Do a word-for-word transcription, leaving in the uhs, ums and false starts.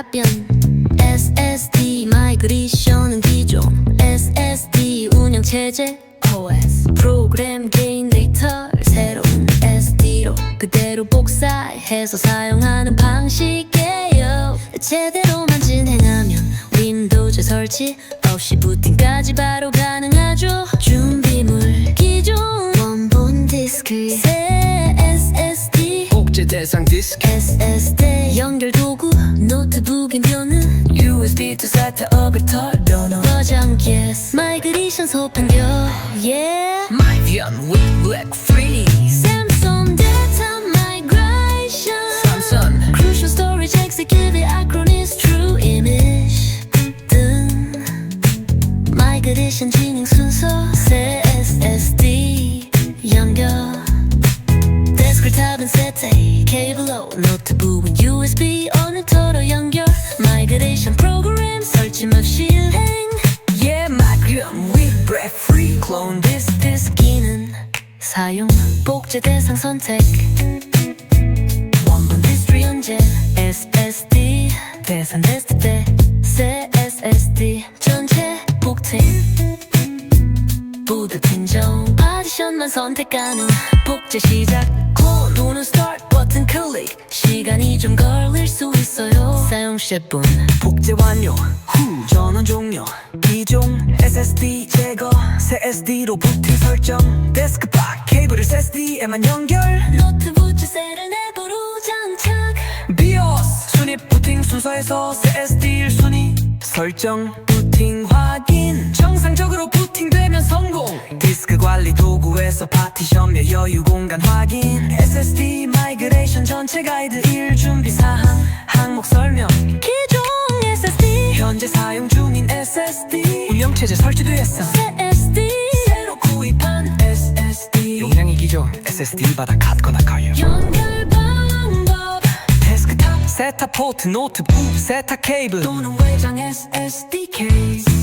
답변 에스에스디 마이그레이션은 기존 에스에스디 운영체제 오에스 프로그램 개인 데이터를 새로운 에스디로 그대로 복사해서 사용하는 방식이에요. 제대로만 진행하면 윈도우즈 설치 없이 부팅까지 바로 가능하죠. 준비물 기존 원본 디스크 새 에스에스디 복제 대상 디스크 에스에스디 연결 도구 노트북이면은 유에스비 to 세트업을 털어놓은 버전 yes 마이그레이션 소판교 yeah 마이비언 with black freeze Samsung data migration 삼선 Crucial storage executed acronyms true image 등 마이그레이션 진행 순서 새 에스에스디 연결 데스크탑은 세트 케이블로 노트북은 유에스비 어느 터로 연결 마이그레이션 프로그램 설치만 실행 Yeah 마이비언 with black freeze clone this disk 기능 사용 복제 대상 선택 원본 디스트리 연재 에스에스디 대상됐을 때 새 에스에스디 전체 복팅 보드 pin정 파티션만 선택 가능 복제 시작 클론 또는 스타트 버튼 클릭 시간이 좀 걸릴 수 있어요 사용 십 분 복제 완료 후 전원 종료 기존 에스에스디 제거 새 에스디로 부팅 설정 데스크박 케이블을 에스에스디에만 연결 노트북 주세를 내부로 장착 비오스 순위 부팅 순서에서 새 에스디 일 순위 설정 부팅 확인 정상적으로 부팅되면 성공 디스크 관리 도구에서 파티션며 여유 공간 확인 에스에스디 마이그레이션 전체 가이드 일 준비 사항 항목 설명 기존 에스에스디 현재 사용 중인 에스에스디 운영체제 설치되었어 새 에스디 새로 구입한 에스에스디 용량이 기존 에스에스디보다 같거나 커요 연결 방법 데스크탑 세타 포트 노트북 세타 케이블 또는 외장 에스에스디 케이스